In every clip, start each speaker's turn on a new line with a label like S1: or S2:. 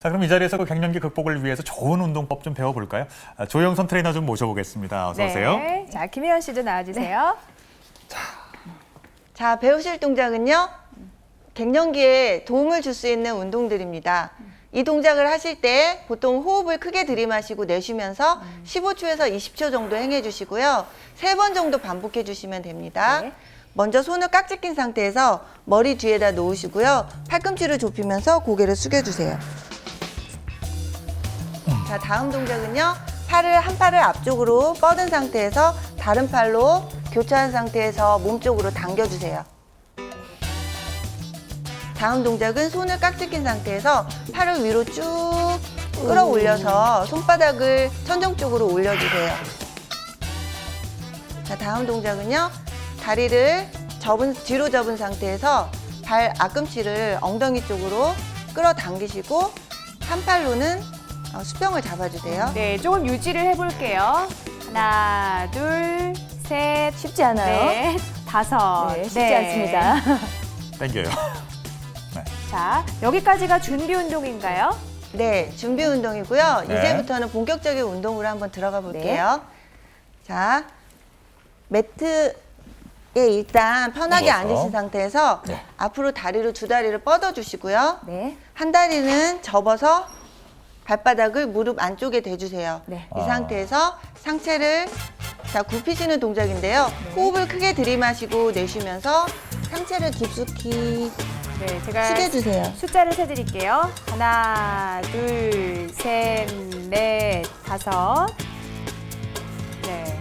S1: 자, 그럼 이 자리에서 그 갱년기 극복을 위해서 좋은 운동법 좀 배워볼까요? 조영선 트레이너 좀 모셔보겠습니다. 어서 오세요.
S2: 네. 자, 김혜연 씨도 나와주세요.
S3: 자, 배우실 동작은요. 갱년기에 도움을 줄 수 있는 운동들입니다. 이 동작을 하실 때 보통 호흡을 크게 들이마시고 내쉬면서 15초에서 20초 정도 행해 주시고요. 3번 정도 반복해 주시면 됩니다.
S2: 네.
S3: 먼저 손을 깍지 낀 상태에서 머리 뒤에다 놓으시고요. 팔꿈치를 좁히면서 고개를 숙여주세요. 자, 다음 동작은요. 한 팔을 앞쪽으로 뻗은 상태에서 다른 팔로 교차한 상태에서 몸쪽으로 당겨주세요. 다음 동작은 손을 깍지 낀 상태에서 팔을 위로 쭉 끌어올려서 손바닥을 천정 쪽으로 올려주세요. 자, 다음 동작은요. 다리를 뒤로 접은 상태에서 발 앞꿈치를 엉덩이 쪽으로 끌어당기시고 한 팔로는 수평을 잡아주세요.
S2: 네, 조금 유지를 해볼게요. 하나, 둘, 셋.
S4: 쉽지 않아요?
S2: 넷, 다섯.
S4: 네, 쉽지 않습니다.
S1: 땡겨요. 네.
S2: 자, 여기까지가 준비 운동인가요?
S3: 네, 준비 운동이고요.
S1: 네.
S3: 이제부터는 본격적인 운동으로 한번 들어가 볼게요. 자, 매트에 일단 편하게
S1: 누워서.
S3: 앉으신 상태에서
S1: 네.
S3: 앞으로 두 다리를 뻗어주시고요.
S4: 네.
S3: 한 다리는 접어서 발바닥을 무릎 안쪽에 대주세요.
S4: 네.
S3: 이 상태에서 상체를 굽히시는 동작인데요. 호흡을 크게 들이마시고 내쉬면서 상체를 깊숙이
S2: 네, 제가
S3: 숙여주세요.
S2: 숫자를 세드릴게요. 하나, 둘, 셋, 넷, 다섯. 네.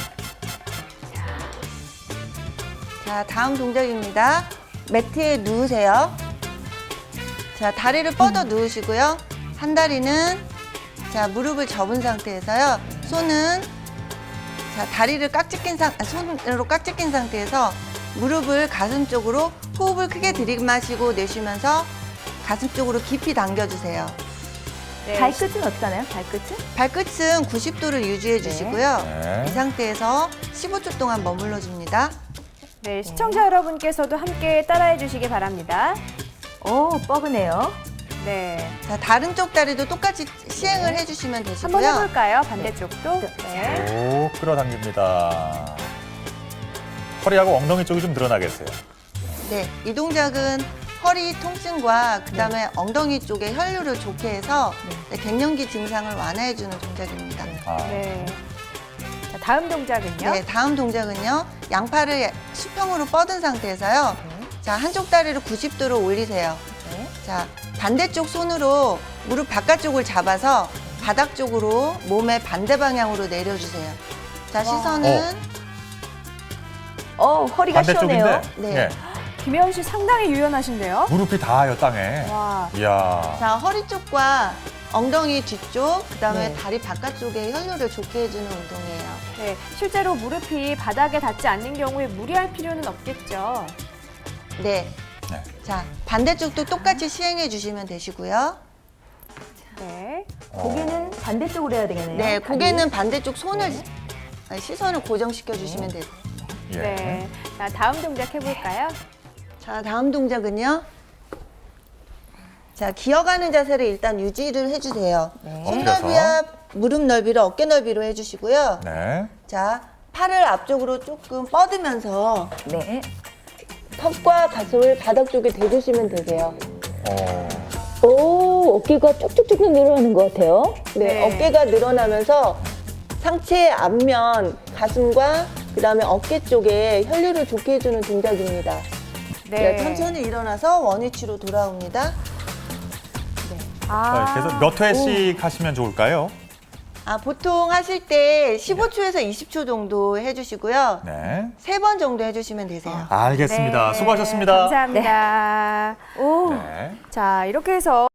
S3: 자, 다음 동작입니다. 매트에 누우세요. 자, 다리를 뻗어 누우시고요. 한 다리는 무릎을 접은 상태에서요. 손은 다리를 손으로 깍지 낀 상태에서 무릎을 가슴 쪽으로 호흡을 크게 들이마시고 내쉬면서 가슴 쪽으로 깊이 당겨주세요.
S2: 네.
S4: 발끝은 어떻게 하나요? 발끝은?
S3: 발끝은 90도를 유지해 주시고요.
S1: 네.
S3: 이 상태에서 15초 동안 머물러 줍니다.
S2: 네, 시청자 여러분께서도 함께 따라해 주시기 바랍니다.
S4: 오, 뻐근해요.
S2: 네.
S3: 자, 다른 쪽 다리도 똑같이 시행을 해주시면 되시고요.
S2: 한번 해볼까요? 반대쪽도. 네.
S1: 쭉 끌어당깁니다. 허리하고 엉덩이 쪽이 좀 늘어나겠어요.
S3: 네, 이 동작은 허리 통증과 그다음에 엉덩이 쪽에 혈류를 좋게 해서 갱년기 증상을 완화해주는 동작입니다.
S1: 아,
S2: 네. 자, 다음 동작은요?
S3: 네, 다음 동작은요. 양팔을 수평으로 뻗은 상태에서요. 자, 한쪽 다리를 90도로 올리세요.
S4: 네.
S3: 자, 반대쪽 손으로 무릎 바깥쪽을 잡아서 바닥 쪽으로 몸의 반대 방향으로 내려주세요. 자, 시선은
S4: 허리가 시원해요.
S1: 반대쪽인데
S3: 네.
S2: 김혜연 씨 상당히 유연하신데요?
S1: 무릎이 닿아요, 땅에.
S2: 와.
S1: 이야.
S3: 자, 허리 쪽과 엉덩이 뒤쪽, 그다음에
S4: 네.
S3: 다리 바깥쪽에 혈류를 좋게 해주는 운동이에요.
S2: 네, 실제로 무릎이 바닥에 닿지 않는 경우에 무리할 필요는 없겠죠.
S3: 네.
S1: 네.
S3: 자, 반대쪽도 똑같이 시행해 주시면 되시고요.
S2: 네.
S4: 고개는 반대쪽으로 해야 되겠네요.
S3: 네,
S4: 다리.
S3: 고개는 반대쪽 시선을 고정시켜 주시면 되세요.
S1: 예.
S2: 네. 자, 다음 동작 해볼까요?
S3: 자, 다음 동작은요. 자, 기어가는 자세를 일단 유지를 해주세요.
S4: 네.
S3: 손
S1: 엎드려서.
S3: 넓이와 무릎 넓이를 어깨 넓이로 해주시고요.
S1: 네.
S3: 자, 팔을 앞쪽으로 조금 뻗으면서
S4: 네.
S3: 턱과 가슴을 바닥 쪽에 대주시면 되세요.
S1: 어,
S4: 오, 어깨가 쭉쭉쭉 늘어나는 것 같아요.
S3: 네,
S2: 네.
S3: 어깨가 늘어나면서 상체 앞면, 가슴과 그다음에 어깨 쪽에 혈류를 좋게 해주는 동작입니다. 네, 천천히 일어나서 원위치로 돌아옵니다.
S2: 아,
S1: 그래서 몇 회씩 하시면 좋을까요?
S3: 보통 하실 때 15초에서 20초 정도 해주시고요.
S1: 네.
S3: 3번 정도 해주시면 되세요.
S1: 알겠습니다.
S2: 네.
S1: 수고하셨습니다.
S2: 감사합니다.
S4: 오.
S1: 네.
S2: 자, 이렇게 해서